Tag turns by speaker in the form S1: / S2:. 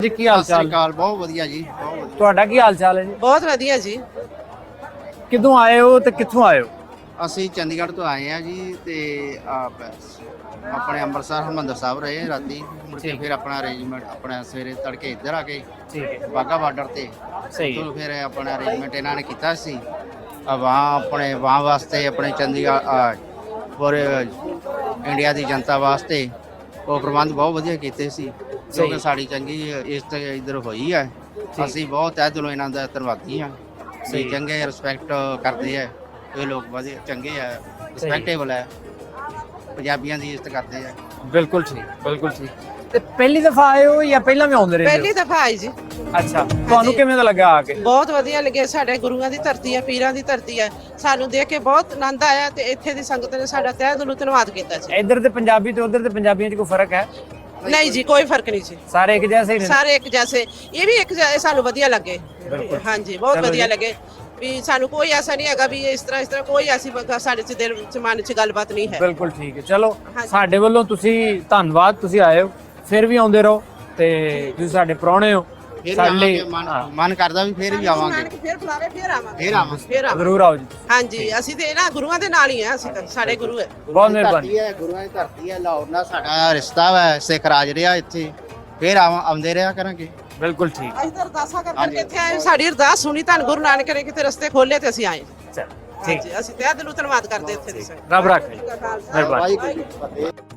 S1: ਜੀ ਕੀ ਹਾਲ ਚਾਲ?
S2: ਕਾਲ ਬਹੁਤ ਵਧੀਆ ਜੀ, ਬਹੁਤ ਵਧੀਆ।
S1: ਤੁਹਾਡਾ ਕੀ ਹਾਲ ਚਾਲ ਹੈ ਜੀ?
S3: ਬਹੁਤ ਵਧੀਆ ਜੀ।
S1: ਕਿੱਥੋਂ ਆਏ ਹੋ ਤੇ ਕਿੱਥੋਂ ਆਏ ਹੋ?
S2: ਅਸੀਂ ਚੰਡੀਗੜ੍ਹ ਤੋਂ ਆਏ ਆ ਜੀ ਤੇ ਆਪਣੇ ਅੰਮ੍ਰਿਤਸਰ ਹਰਿਮੰਦਰ ਸਾਹਿਬ ਰਹੇ ਰਾਤੀ, ਮੁੜ ਕੇ ਫਿਰ ਆਪਣਾ ਅਰੇਂਜਮੈਂਟ ਆਪਣਾ ਸਵੇਰੇ ਤੜਕੇ ਇੱਧਰ ਆ ਕੇ
S1: ਠੀਕ ਹੈ,
S2: ਬਾਗਾ ਬਾਰਡਰ ਤੇ
S1: ਸਹੀ ਹੈ।
S2: ਤੋਂ ਫਿਰ ਆਪਣਾ ਅਰੇਂਜਮੈਂਟ ਇਹਨਾਂ ਨੇ ਕੀਤਾ ਸੀ ਵਾਂ ਆਪਣੇ ਵਾਂ ਵਾਸਤੇ ਆਪਣੇ ਚੰਡੀਗੜ੍ਹ ਪੂਰੇ ਇੰਡੀਆ ਦੀ ਜਨਤਾ ਵਾਸਤੇ ਉਹ ਪ੍ਰਬੰਧ ਬਹੁਤ ਵਧੀਆ ਕੀਤੇ ਸੀ, ਕਿਉਂਕਿ ਸਾਡੀ ਚੰਗੀ ਇਸ ਤੇ ਇੱਧਰ ਹੋਈ ਹੈ। ਅਸੀਂ ਬਹੁਤ ਤਹਿ ਦਿਲੋਂ ਇਹਨਾਂ ਦਾ ਧੰਨਵਾਦੀ ਹਾਂ। ਸਹੀ ਚੰਗੇ ਰਿਸਪੈਕਟ ਕਰਦੇ ਆ ਇਹ ਲੋਕ, ਵਧੀਆ ਚੰਗੇ ਆ, ਰਿਸਪੈਕਟੇਬਲ ਹੈ, ਪੰਜਾਬੀਆਂ ਦੀ ਇੱਜ਼ਤ ਕਰਦੇ ਆ।
S1: ਬਿਲਕੁਲ ਠੀਕ, ਬਿਲਕੁਲ ਠੀਕ। ਤੇ ਪਹਿਲੀ ਦਫਾ ਆਏ ਹੋ ਜਾਂ ਪਹਿਲਾਂ ਵੀ ਆਉਂਦੇ ਰਹੇ ਹੋ?
S3: ਪਹਿਲੀ ਦਫਾ ਆਈ ਜੀ।
S1: ਅੱਛਾ, ਤੁਹਾਨੂੰ ਕਿਵੇਂ ਦਾ ਲੱਗਾ ਆ ਕੇ?
S3: ਬਹੁਤ ਵਧੀਆ ਲੱਗਿਆ। ਸਾਡੇ ਗੁਰੂਆਂ ਦੀ ਧਰਤੀ ਹੈ, ਪੀਰਾਂ ਦੀ ਧਰਤੀ ਹੈ, ਸਾਨੂੰ ਦੇਖ ਕੇ ਬਹੁਤ ਆਨੰਦ ਆਇਆ ਤੇ ਇੱਥੇ ਦੀ ਸੰਗਤ ਨੇ ਸਾਡਾ ਤਹਿ ਦਿਲੋਂ ਧੰਨਵਾਦ ਕੀਤਾ ਜੀ।
S1: ਇੱਧਰ ਦੇ ਪੰਜਾਬੀ ਤੇ ਉੱਧਰ ਦੇ ਪੰਜਾਬੀਆਂ 'ਚ ਕੋਈ ਫਰਕ ਹੈ?
S3: ਨਹੀਂ ਜੀ, ਕੋਈ ਫਰਕ ਨਹੀਂ ਜੀ,
S1: ਸਾਰੇ ਇੱਕ ਜੈਸੇ ਹੀ ਨੇ?
S3: ਸਾਰੇ ਇੱਕ ਜੈਸੇ। ਇਹ ਵੀ ਇੱਕ ਜੈਸੇ ਸਾਨੂੰ ਵਧੀਆ ਲੱਗੇ। ਹਾਂਜੀ, ਬਹੁਤ ਵਧੀਆ ਲੱਗੇ ਵੀ ਸਾਨੂੰ ਕੋਈ ਐਸਾ ਨਹੀਂ ਹੈਗਾ ਵੀ ਇਸ ਤਰ੍ਹਾਂ ਕੋਈ ਐਸੀ ਸਾਡੇ ਚ ਦਿਲ ਚ ਮਨ ਚ ਗੱਲਬਾਤ ਨਹੀਂ ਹੈ।
S1: ਬਿਲਕੁਲ ਠੀਕ ਹੈ। ਚਲੋ ਸਾਡੇ ਵੱਲੋਂ ਤੁਸੀਂ ਧੰਨਵਾਦ, ਤੁਸੀਂ ਆਏ ਹੋ, ਫਿਰ ਵੀ ਆਉਂਦੇ ਰਹੋ ਤੇ ਤੁਸੀਂ ਸਾਡੇ ਪ੍ਰਾਹੁਣੇ ਹੋ। ਸਾਡੇ ਲਈ
S2: ਮਨ ਕਰਦਾ ਵੀ ਫਿਰ ਵੀ ਆਵਾਂਗੇ,
S3: ਫਿਰ ਬੁਲਾਵੇ, ਫਿਰ ਆਵਾਂਗੇ,
S2: ਫਿਰ ਆਵਾਂਗੇ,
S3: ਫਿਰ ਆਵਾਂਗੇ।
S1: ਜ਼ਰੂਰ ਆਓ ਜੀ।
S3: ਹਾਂਜੀ, ਅਸੀਂ ਤੇ ਨਾ ਗੁਰੂਆਂ ਦੇ ਨਾਲ ਹੀ ਆ, ਅਸੀਂ ਤਾਂ ਸਾਡੇ ਗੁਰੂ ਹੈ।
S1: ਬਹੁਤ ਮਿਹਰਬਾਨੀ।
S2: ਗੁਰੂਆਂ ਦੀ ਧਰਤੀ ਹੈ, ਲਾਹੌਰ ਨਾਲ ਸਾਡਾ ਰਿਸ਼ਤਾ ਹੈ, ਸਿੱਖ ਰਾਜ ਰਿਹਾ ਇੱਥੇ, ਫਿਰ ਆਉਂਦੇ ਰਿਹਾ ਕਰਾਂਗੇ।
S1: ਬਿਲਕੁਲ ਠੀਕ।
S3: ਅਸੀਂ ਤਾਂ ਅਰਦਾਸਾਂ ਕਰਕੇ ਇੱਥੇ ਆਏ, ਸਾਡੀ ਅਰਦਾਸ ਸੁਣੀ, ਧੰਨ ਗੁਰੂ ਨਾਨਕ ਨੇ ਕਿਤੇ ਰਸਤੇ ਖੋਲੇ ਤੇ ਅਸੀਂ ਆਏ।
S1: ਚਲ ਠੀਕ,
S3: ਅਸੀਂ ਤਹਿ ਦਿਲੋਂ ਧੰਨਵਾਦ ਕਰਦੇ ਇੱਥੇ ਦੇ।
S1: ਰੱਬ ਰੱਖੇ। ਮਿਹਰਬਾਨੀ।
S2: ਵਾਹਿਗੁਰੂ ਜੀ ਕੀ ਫਤਿਹ।